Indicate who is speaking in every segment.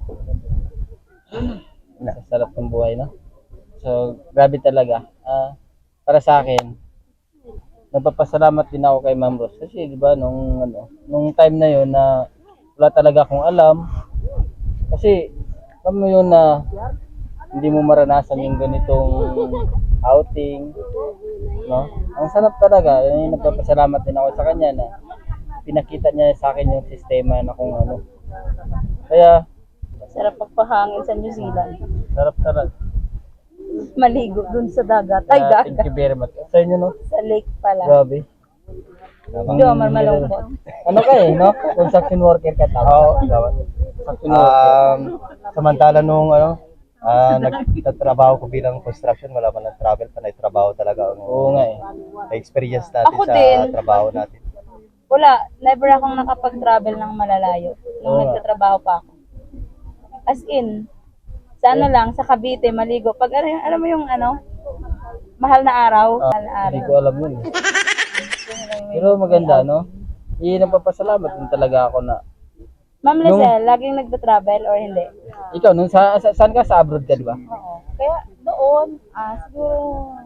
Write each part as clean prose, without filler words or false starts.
Speaker 1: Sa sarap ng buhay, no? So, grabe talaga. Para sa akin, nagpapasalamat din ako kay Ma'am Rose. Kasi, di ba, nung time na yon na wala talaga akong alam. Kasi, alam mo yun na hindi mo maranasan yung ganitong outing, no? Ang sarap talaga. Yun yung nagpapasalamat din ako sa kanya na pinakita niya sa akin yung sistema na kung ano. Kaya,
Speaker 2: Sarap pagpahangin sa New Zealand.
Speaker 1: sarap talaga.
Speaker 2: Maligo dun sa dagat. Ay,
Speaker 1: Kaya, thank
Speaker 2: dagat.
Speaker 1: you very much. Sa inyo, no?
Speaker 2: Sa lake pala.
Speaker 1: Grabe.
Speaker 2: Hindi ako malungkot.
Speaker 1: Ano ka no? Construction worker ka tama?
Speaker 3: Oo, dapat.
Speaker 1: Construction worker.
Speaker 3: Samantala nung nagtatrabaho ko bilang construction, wala man ng travel, panay trabaho talaga ang
Speaker 1: Oo nga eh.
Speaker 3: experience natin
Speaker 2: Ako
Speaker 3: sa
Speaker 2: din.
Speaker 3: trabaho natin.
Speaker 2: Wala, never akong nakapag-travel ng malalayo nung
Speaker 1: Oo.
Speaker 2: nagtatrabaho pa ako. As in, sa ano lang, sa Cavite, maligo. Pag alam mo yung mahal na araw, mahal na
Speaker 1: Hindi
Speaker 2: araw.
Speaker 1: ko alam yun eh. Pero maganda, no? Iyon ang papasalamat din talaga ako na.
Speaker 2: Ma'am Lizelle, laging nagta-travel or hindi?
Speaker 1: Ikaw, saan ka? Sa abroad ka, di ba?
Speaker 2: Oo. Kaya doon, siguro,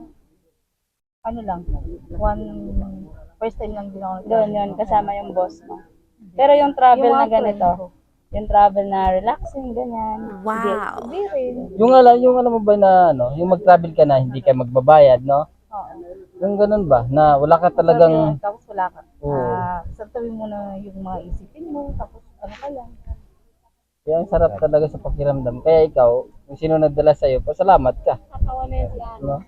Speaker 2: lang, first time lang din ako. Doon yun, kasama yung boss mo. Pero yung travel na ganito, yung travel na relaxing, ganyan. Wow! Hindi rin.
Speaker 1: Yung alam mo ba na, yung mag-travel ka na, hindi ka magbabayad, no?
Speaker 2: Oo.
Speaker 1: Yung ganun ba? Na wala ka talagang,
Speaker 2: Tapos wala ka.
Speaker 1: Oo.
Speaker 2: Santawin mo na yung mga isipin mo, tapos ano ka lang.
Speaker 1: kaya ang sarap talaga sa pakiramdam. Kaya ikaw, kung sino nagdala sa'yo, pasalamat ka.
Speaker 2: Katawa na yan si Ana.
Speaker 1: No?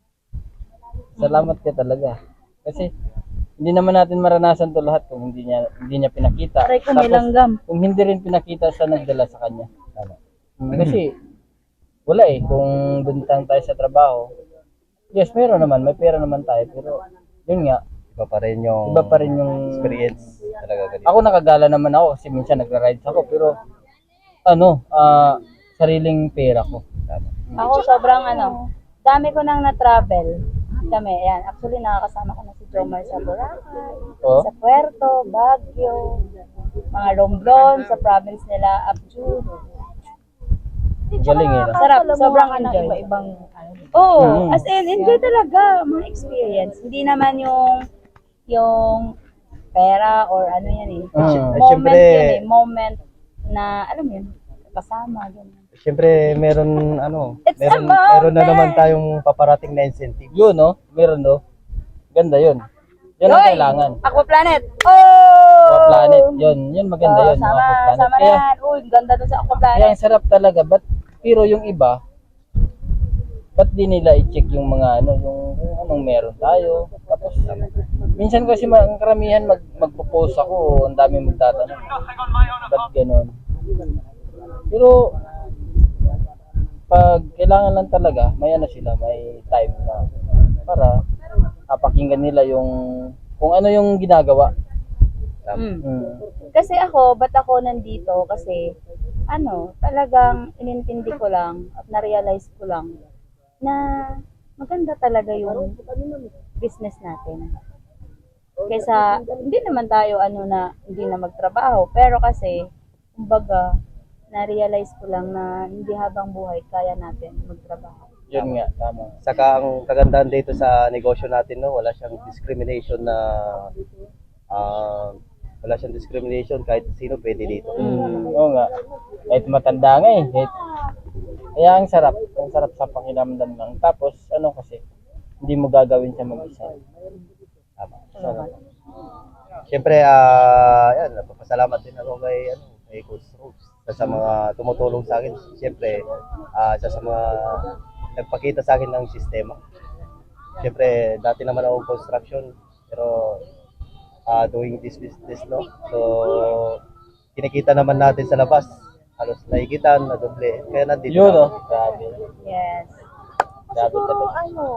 Speaker 1: Salamat ka talaga. Kasi, hindi naman natin maranasan to lahat kung hindi niya pinakita.
Speaker 2: Aray ko, may langgam.
Speaker 1: Kung hindi rin pinakita sa nagdala sa kanya. Kasi, wala eh. Kung doon tayo sa trabaho, yes, meron naman. May pera naman tayo. Pero, yun nga,
Speaker 3: Iba pa rin yung experience talaga ganito.
Speaker 1: ako nakagala naman ako kasi minsan nagra-rides ako. Pero, sariling pera ko.
Speaker 2: Ako sobrang dami ko nang na-travel. Kami, ayan. Actually, nakakasama ko na si Jomar sa Boracay,
Speaker 1: Oh?
Speaker 2: sa Puerto, Baguio, mga Romblon, sa province nila, Abjud.
Speaker 1: Galing eh. No?
Speaker 2: Sarap, sobrang enjoy.
Speaker 4: Iba-ibang
Speaker 2: Oo, as in, enjoy talaga mga experience. Hindi naman yung pera or ano yan eh.
Speaker 3: Siyempre,
Speaker 2: Moment na, alam mo yun, kasama, ganyan.
Speaker 3: siyempre meron
Speaker 2: It's a
Speaker 3: meron na
Speaker 2: moment.
Speaker 3: naman tayong paparating na incentive.
Speaker 1: Yun, no? Meron, no? Ganda yun. Yan ang
Speaker 2: Yoy!
Speaker 1: kailangan.
Speaker 2: Aqua Planet! Oh!
Speaker 1: Aqua Planet. Yun maganda yun.
Speaker 2: Sama,
Speaker 1: Aqua Planet.
Speaker 2: sama
Speaker 1: Kaya,
Speaker 2: yan. Uy, ganda dun sa Aqua
Speaker 1: kaya
Speaker 2: Planet.
Speaker 1: ang sarap talaga. Pero yung iba, ba't di nila i-check yung mga yung kung anong meron tayo. Tapos, minsan kasi ang karamihan magpo-post ako, ang dami magtatanong. Ba't ganun? Pero, pag kailangan lang talaga, may may time na para pakinggan nila yung kung ano yung ginagawa.
Speaker 2: Mm.
Speaker 1: Mm.
Speaker 2: Kasi ba't ako nandito? Kasi, talagang inintindi ko lang at na-realize ko lang na maganda talaga yung business natin. Kaysa, hindi naman tayo hindi na magtrabaho. Pero kasi, kumbaga, na-realize ko lang na hindi habang buhay kaya natin magtrabaho.
Speaker 1: Yun nga, tama.
Speaker 3: Saka ang kagandahan dito sa negosyo natin, wala siyang discrimination kahit sino pwede dito.
Speaker 1: Oo nga. Kahit matanda nga eh. Kaya ang sarap sa pakiramdam lang. Tapos kasi, hindi mo gagawin siya mag-isa.
Speaker 3: Tama.
Speaker 1: Sarap.
Speaker 3: Siyempre, napapasalamat din ako kay Coach Rose sa mga tumutulong sa akin. Siyempre, sa mga nagpakita sa akin ng sistema. Siyempre, dati naman ako construction, pero doing this business, no? So, kinikita naman natin sa labas. Halos naikitan, na doble. Kaya nandito
Speaker 1: Yun,
Speaker 3: na ako.
Speaker 1: Grabe.
Speaker 2: Yes.
Speaker 1: Grabe talaga.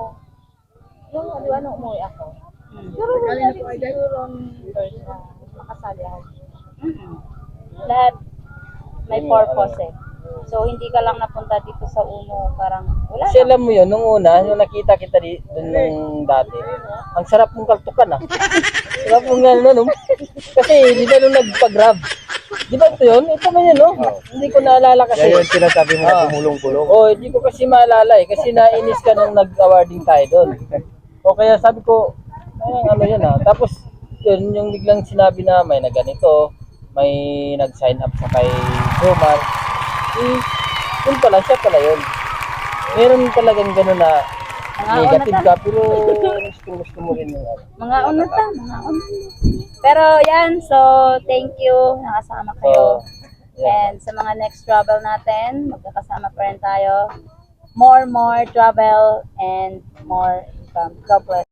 Speaker 4: yung umuwi ako.
Speaker 2: Pero siguro makasali ako. Lahat may purpose eh. So, hindi ka lang napunta dito sa uno, parang wala
Speaker 1: Kasi alam mo yun, nung nakita kita doon nung dati, ang sarap mong kaltukan ah. Sarap mong gano'n, no? Kasi hindi na nung nagpa-grab. Di ba ito yun? Ito ba yun, no? Hindi ko naalala kasi.
Speaker 3: Kaya yung sinasabi mo na kumulong-kulong.
Speaker 1: Hindi ko kasi maalala eh. Kasi nainis ka nung nag-awarding tayo doon. O kaya sabi ko, ano yan ah. Tapos, yun, yung biglang sinabi na may na ganito, may nag-sign up sa kay Jomar. Yun pala, siya pala yun. Meron talagang gano'n na negative ka, pero gusto mo rin yung ano.
Speaker 2: Mga una ta, mga una. Pero yan, so thank you, nakasama kayo.
Speaker 1: Yeah.
Speaker 2: And sa mga next travel natin, magkakasama pa rin tayo. More travel and more income. God bless.